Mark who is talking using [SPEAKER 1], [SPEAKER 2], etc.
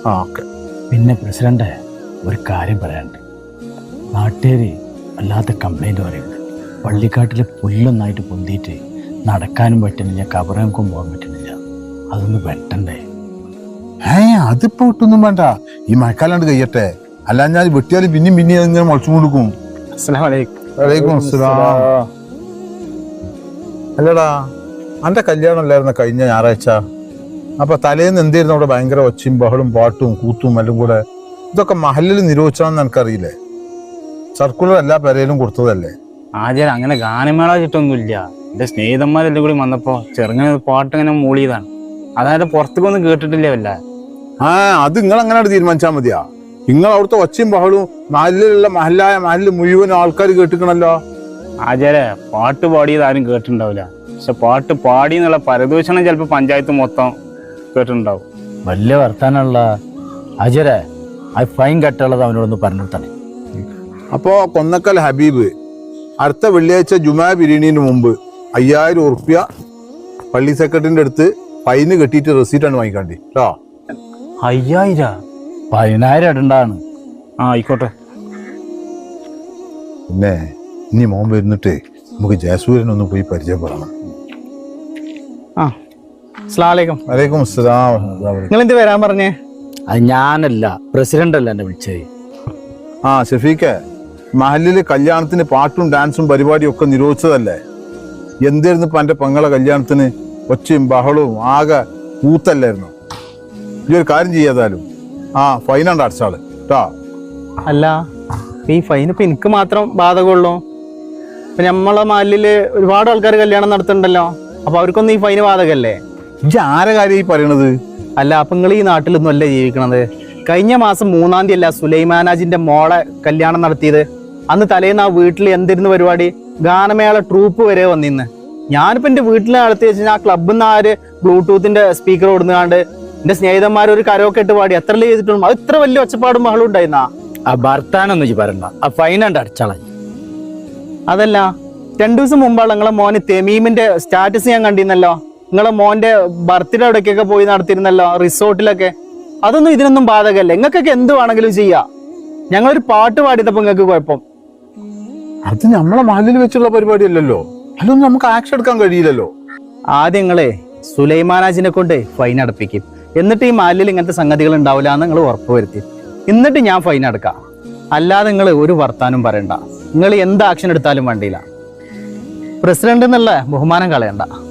[SPEAKER 1] ആ ഓക്കെ.
[SPEAKER 2] പിന്നെ പ്രസിഡന്റ് ഒരു കാര്യം പറയാനുണ്ട്. നാട്ടുകാർ വല്ലാത്ത കംപ്ലൈൻറ്റ് പറയുന്നുണ്ട്. പള്ളിക്കാട്ടിൽ പുല്ലൊന്നായിട്ട് പൊന്തിയിട്ട് നടക്കാനും പറ്റുന്നില്ല, കബറങ്ങൾക്കും പോകാൻ പറ്റുന്നില്ല. അതൊന്ന് വെട്ടണ്ടേ?
[SPEAKER 1] അതിപ്പോ ഒട്ടൊന്നും വേണ്ട, ഈ മഴക്കാലാണ്ട് കഴിയട്ടെ. അല്ല ഞാൻ വെട്ടിയാൽ പിന്നെയും ഇങ്ങനെ മുളച്ചു കൊടുക്കും. വലൈക്കും അസ്സലാം. അല്ലടാ, അന്റെ കല്യാണം അല്ലായിരുന്ന കഴിഞ്ഞ ഞായറാഴ്ച? അപ്പൊ തലേന്ന് എന്തായിരുന്നു അവിടെ ഭയങ്കര ഒച്ചയും ബഹളും പാട്ടും കൂത്തും എല്ലാം കൂടെ? ഇതൊക്കെ മഹലിൽ നിരോധിച്ചാണെന്ന് എനിക്കറിയില്ലേ? സർക്കുലർ എല്ലാ പെരയിലും കൊടുത്തതല്ലേ?
[SPEAKER 3] ആചാരം അങ്ങനെ ഗാനമേള വെച്ചിട്ടൊന്നുമില്ല. എന്റെ സ്നേഹിതന്മാരെല്ലാം കൂടി വന്നപ്പോ ചെറുങ്ങനെ പാട്ടിങ്ങനെ മൂളിയതാണ്. അതായത് പുറത്തേക്കൊന്നും കേട്ടിട്ടില്ല വല്ല.
[SPEAKER 1] അത് നിങ്ങൾ അങ്ങനെ തീരുമാനിച്ചാൽ മതിയാ. നിങ്ങൾ അവിടുത്തെ ഒച്ചയും ബഹളും മഹലിലുള്ള മഹലിൽ മുഴുവൻ ആൾക്കാർ കേട്ടിക്കണല്ലോ.
[SPEAKER 3] ആചാരെ പാട്ട് പാടിയത് ആരും കേട്ടിട്ടുണ്ടാവില്ല. പക്ഷെ പാട്ട് പാടി എന്നുള്ള പരദൂഷണം ചിലപ്പോ പഞ്ചായത്ത് മൊത്തം കേട്ടിട്ടുണ്ടാവും.
[SPEAKER 2] വലിയ വർത്താനുള്ള അജരെ ആ ഫൈൻ കെട്ടുള്ളത് അവനോടൊന്ന് പറഞ്ഞു തന്നെ.
[SPEAKER 1] അപ്പോ കൊന്നക്കൽ ഹബീബ് അടുത്ത വെള്ളിയാഴ്ച ജുമാ ബിരിയാണിന് മുമ്പ് 5000 ഉറുപ്പ്യ പള്ളി സെക്രട്ടറിന്റെ അടുത്ത് ഫൈന് കെട്ടിയിട്ട് റെസീറ്റാണ് വാങ്ങിക്കാണ്ടി കേട്ടോ.
[SPEAKER 3] 5000?
[SPEAKER 2] 10000 ഇടണ്ടാണ്.
[SPEAKER 3] ആയിക്കോട്ടെ.
[SPEAKER 1] പിന്നെ ഇനി മോൻ വരുന്നിട്ട് നമുക്ക് ജയസൂര്യനൊന്ന് പോയി പരിചയപ്പെടണം. വലൈക്കും അസ്സലാം.
[SPEAKER 3] നിങ്ങൾ എന്ത് വരാൻ പറഞ്ഞേ?
[SPEAKER 2] അത് ഞാനല്ല, പ്രസിഡന്റ് അല്ല എന്നെ വിളിച്ചത്.
[SPEAKER 1] ഷഫീഖെ, മഹലില് കല്യാണത്തിന് പാട്ടും ഡാൻസും പരിപാടിയും ഒക്കെ നിരോധിച്ചതല്ലേ? എന്തായിരുന്നു ഇപ്പൊ എന്റെ പെങ്ങളെ കല്യാണത്തിന് ഒച്ചയും ബഹളവും ആകെ കൂത്തല്ലായിരുന്നു? ഈ ഒരു കാര്യം ചെയ്യാതാലും ഫൈനാണ്ട് അടച്ചാള് കേട്ടോ.
[SPEAKER 3] അല്ല, ഈ ഫൈൻ ഇപ്പൊ എനിക്ക് മാത്രം ബാധകമുള്ളൂ? ഇപ്പൊ നമ്മളെ മഹലില് ഒരുപാട് ആൾക്കാർ കല്യാണം നടത്തുന്നുണ്ടല്ലോ. അപ്പൊ അവർക്കൊന്നും ഈ ഫൈന് ബാധകല്ലേ?
[SPEAKER 1] ഇജ്ജ് ആരെ കാര്യം ഈ പറയണത്?
[SPEAKER 3] അല്ല, അപ്പൊ നിങ്ങൾ ഈ നാട്ടിലൊന്നും അല്ലേ ജീവിക്കണത്? കഴിഞ്ഞ മാസം 3-ാം തീയതി അല്ല സുലൈമാനാജിന്റെ മോളെ കല്യാണം നടത്തിയത്? അന്ന് തലേന്ന് ആ വീട്ടിൽ എന്തിരുന്നു പരിപാടി? ഗാനമേള ട്രൂപ്പ് വരെ വന്നിന്ന്. ഞാനിപ്പോ എന്റെ വീട്ടിൽ നടത്തി വെച്ചാൽ ആ ക്ലബിൽ നിന്ന് ആര് ബ്ലൂടൂത്തിന്റെ സ്പീക്കർ കൊടുക്കാണ്ട് എന്റെ സ്നേഹിതന്മാർ ഒരു കരോക്കെ ഇട്ട് പാടി എത്ര ചെയ്തിട്ടും അത് ഇത്ര വലിയ ഒച്ചപ്പാടും ബഹളം ഉണ്ടായിരുന്നാ?
[SPEAKER 2] ആ ഭർത്താനൊന്നും പറയണ്ട, ആ ഫൈനാണ്ട് അടച്ചാള.
[SPEAKER 3] അതല്ല, 2 ദിവസം മുമ്പാണ് നിങ്ങളെ മോന് തെമീമിന്റെ സ്റ്റാറ്റസ് ഞാൻ കണ്ടിരുന്നല്ലോ. നിങ്ങളെ മോന്റെ ബർത്ത്ഡേ അവിടേക്കൊക്കെ പോയി നടത്തിയിരുന്നല്ലോ, റിസോർട്ടിലൊക്കെ. അതൊന്നും ഇതിനൊന്നും ബാധകല്ലേ? നിങ്ങൾക്കൊക്കെ എന്ത് വേണമെങ്കിലും ചെയ്യാം. ഞങ്ങളൊരു പാട്ട് പാടിയപ്പോ നിങ്ങൾക്ക് കുഴപ്പം?
[SPEAKER 1] അത് നമ്മളെ മഹലിൽ വെച്ചുള്ള പരിപാടി അല്ലല്ലോ. അല്ലൊന്നും നമുക്ക് ആക്ഷൻ എടുക്കാൻ കഴിയില്ലല്ലോ.
[SPEAKER 3] ആദ്യം നിങ്ങളെ സുലൈമാനാജിനെ കൊണ്ട് ഫൈൻ അടപ്പിക്കും. എന്നിട്ട് ഈ മഹലിൽ ഇങ്ങനത്തെ സംഗതികൾ ഉണ്ടാവില്ല എന്ന് നിങ്ങൾ ഉറപ്പുവരുത്തി. എന്നിട്ട് ഞാൻ ഫൈൻ അടക്കാം. അല്ലാതെ നിങ്ങൾ ഒരു വർത്താനം പറയണ്ട. നിങ്ങൾ എന്ത് ആക്ഷൻ എടുത്താലും വേണ്ടിയില്ല. പ്രസിഡന്റ് എന്നുള്ള ബഹുമാനം കളയണ്ട.